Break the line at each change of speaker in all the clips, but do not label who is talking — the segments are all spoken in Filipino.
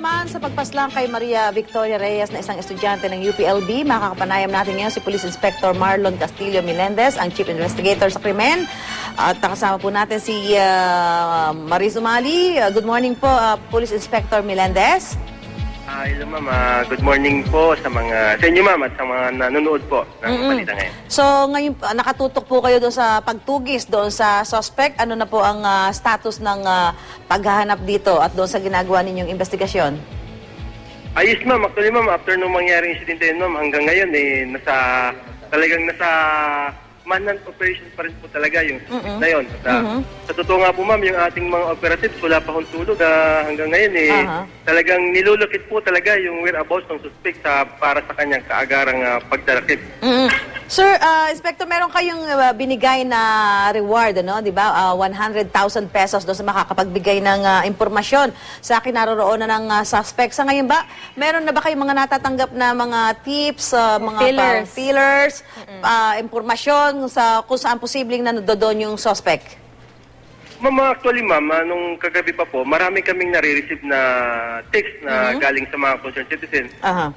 naman sa pagpaslang kay Maria Victoria Reyes na isang estudyante ng UPLB, makakapanayam natin ngayon si Police Inspector Marlon Castillo Melendez, ang Chief Investigator sa krimen. At kasama po natin si Maris Umali. Good morning po, Police Inspector Melendez.
Hello ma'am, good morning po sa inyo ma'am at sa mga nanonood po ng balita ngayon.
So ngayon nakatutok po kayo doon sa pagtugis doon sa suspect. Ano na po ang status ng paghahanap dito at doon sa ginagawa ninyong investigasyon?
Ayos ma'am, actually ma'am, after nung mangyaring insidente yun ma'am, hanggang ngayon talagang nasa manhunt operation pa rin po talaga yung suspect na yun. Sa totoo nga po ma'am, yung ating mga operatives wala pa hong tulog hanggang ngayon talagang nilulukit po talaga yung whereabouts ng suspect para sa kanyang kaagarang pagdarakip.
Sir, Inspector, meron kayong binigay na reward, ano? Di ba? 100,000 pesos doon sa makakapagbigay ng impormasyon sa kinaroroonan ng suspect. Sa ngayon ba, meron na ba kayong mga natatanggap na mga tips, mga feelers, impormasyon kung saan posibleng nandoon yung suspect?
Ma'am, actually ma'am, nung kagabi pa po, marami kaming nare-receive na text na galing sa mga concerned citizens.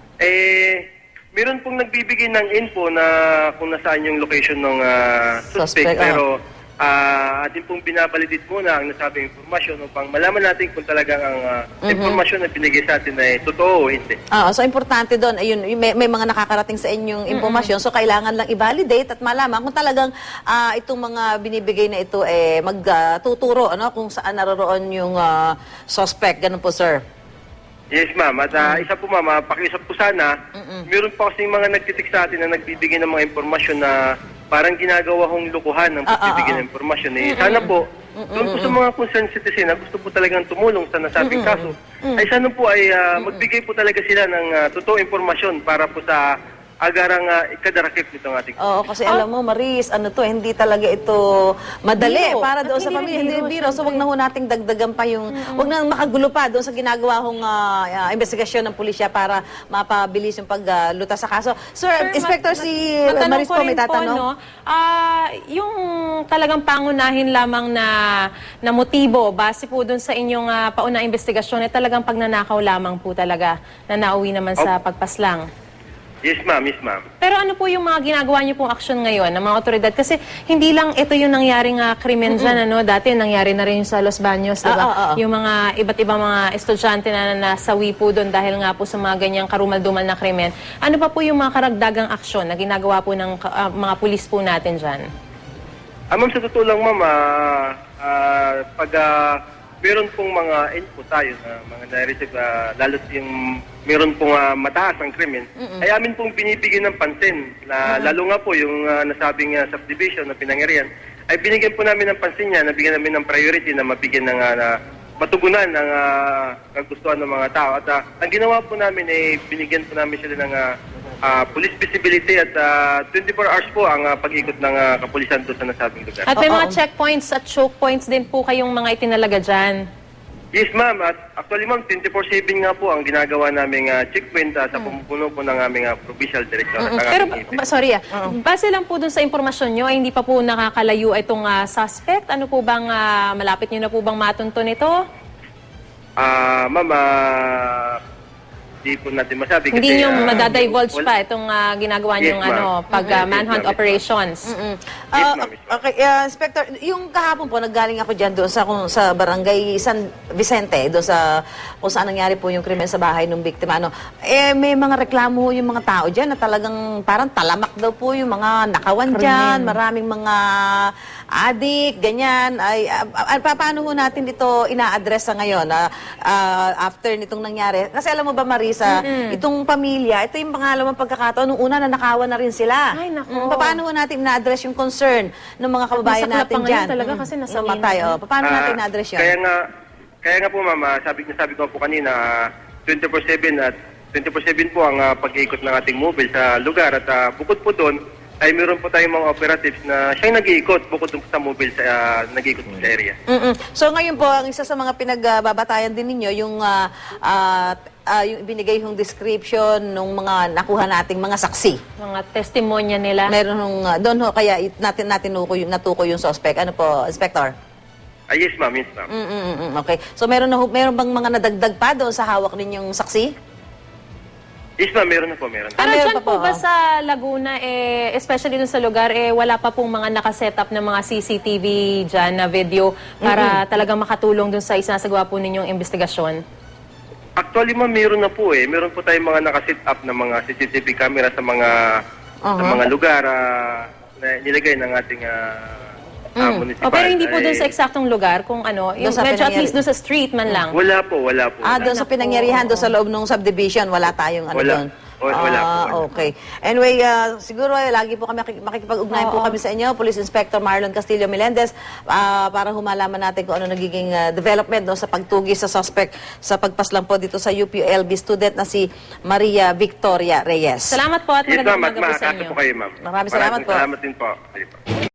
Meron pong nagbibigay ng info na kung nasaan yung location ng suspect. Pero atin pong binabalidate muna ang nasabing informasyon upang malaman natin kung talagang ang informasyon na binigay sa atin ay totoo o hindi.
So importante doon, ayun, may mga nakakarating sa inyong informasyon. So kailangan lang i-validate at malaman kung talagang itong mga binibigay na ito magtuturo kung saan naroroon yung suspect. Ganun po, sir.
Yes, ma'am. At isa po, ma'am, pakiusap po sana, meron pa kasing mga nagtitik sa atin na nagbibigay ng mga informasyon na parang ginagawa hong lukuhan ng pagbibigay ng informasyon. Sana po, doon po sa mga concerned citizen na gusto po talagang tumulong sa nasabing kaso, ay sana po ay magbigay po talaga sila ng totoong informasyon para po sa agarang ikadarakip nitong ating.
Oo, kasi alam mo, Maris, hindi talaga ito madali para doon sa pamilya. Hindi biro. So, wag na ho nating dagdagan pa yung, wag na makagulo pa doon sa ginagawa hong investigasyon ng pulisya para mapabilis yung paglutas sa kaso. Sir, Inspector, si Maris po may tatanong.
Yung talagang pangunahin lamang na motibo, base po doon sa inyong paunang investigasyon, ay talagang pagnanakaw lamang po talaga na nauwi naman sa pagpaslang.
Yes, ma'am. Yes, ma'am.
Pero ano po yung mga ginagawa niyo pong aksyon ngayon ng mga otoridad? Kasi hindi lang ito yung nangyaring krimen dyan, Dati nangyari na rin yung sa Los Baños, diba? Yung mga iba't ibang mga estudyante na nasawi po doon dahil nga po sa mga ganyang karumal-dumal na krimen. Ano pa po yung mga karagdagang aksyon na ginagawa po ng mga pulis po natin dyan?
Ma'am, sa totoo lang, ma'am, pag meron pong mga info tayo na mga na-receive, lalo yung meron pong mataas ang krimen, ay amin pong binibigyan ng pansin. Lalo nga po yung nasabing subdivision na pinangyarihan, ay binigyan po namin ng pansin niya, nabigyan namin ng priority na mabigyan ng matugunan ng kagustuhan ng mga tao. At ang ginawa po namin ay binigyan po namin sila ng police visibility at 24 hours po ang pag-ikot ng kapulisan doon sa nasabing lugar.
At may mga checkpoints at choke points din po kayong mga itinalaga dyan?
Yes, ma'am. At actually, ma'am, 24/7 nga po ang ginagawa naming checkpoint sa pumupuno po ng aming provincial director.
Pero, sorry base lang po dun sa informasyon nyo, ay hindi pa po nakakalayo itong suspect? Ano po bang, malapit nyo na po bang matunton ito?
Ma'am, hindi po natin masabi.
Hindi nyo madadivulge pa itong ginagawa nyong pag-manhunt operations.
Okay, Inspector, yung kahapon po, naggaling ako dyan doon sa barangay San Vicente, doon sa kung saan nangyari po yung krimen sa bahay ng biktima. May mga reklamo yung mga tao dyan na talagang parang talamak daw po yung mga nakawan dyan, maraming mga adik, ganyan. Paano ho natin dito ina-address sa ngayon after nitong nangyari? Kasi alam mo ba, Marisa, itong pamilya, ito yung pangalawang pagkakataon. Nung una, nanakawan na rin sila.
Ay, naku.
Paano ho natin ina-address yung concern ng mga kababayan natin dyan?
Talaga kasi nasa
paano natin ina-address yan?
Kaya nga po, ma'am, sabi ko po kanina, 24/7 at 24/7 po ang pag-iikot ng ating mobile sa lugar. At bukod po doon, ay meron po tayong mga operatives na siyang nag-iikot bukod sa mobile nag-iikot sa area.
So ngayon po, ang isa sa mga pinagbabatayan din ninyo, yung binigay yung description ng mga nakuha nating mga saksi.
Mga testimonya nila.
Meron doon ho, kaya natukoy yung suspect. Ano po, Inspector?
Yes, ma'am. Yes, ma'am.
Okay. So meron bang mga nadagdag pa doon sa hawak ninyong saksi?
Yes, ma'am. Meron na po. Meron na.
Pero
meron
dyan
pa
po
po,
ba sa Laguna, especially dun sa lugar, wala pa pong mga nakaset up ng mga CCTV dyan na video para talagang makatulong dun sa isinasagawa po ninyong investigasyon?
Actually, ma'am, meron na po eh. Meron po tayong mga nakasit up na mga CCTV camera sa mga lugar na nilagay ng ating municipal.
Pero hindi po dun sa eksaktong lugar, kung ano, yung
sa
medyo at
pinangyari-
least dun sa street man lang.
Wala po.
Doon sa pinangyarihan, doon sa loob ng subdivision, wala tayong ano
Wala.
doon.
Wala po.
Okay. Anyway, siguro lagi po kami makikipag-ugnayan po kami sa inyo, Police Inspector Marlon Castillo Melendez, para humalaman natin kung ano nagiging development no, sa pagtugi sa suspect sa pagpaslang po dito sa UPLB student na si Maria Victoria Reyes.
Salamat po at
Yes,
magandang
ma'am.
umaga po sa
Makakasa
inyo.
po kayo, ma'am.
Maraming salamat po.
Salamat din po. Sige po.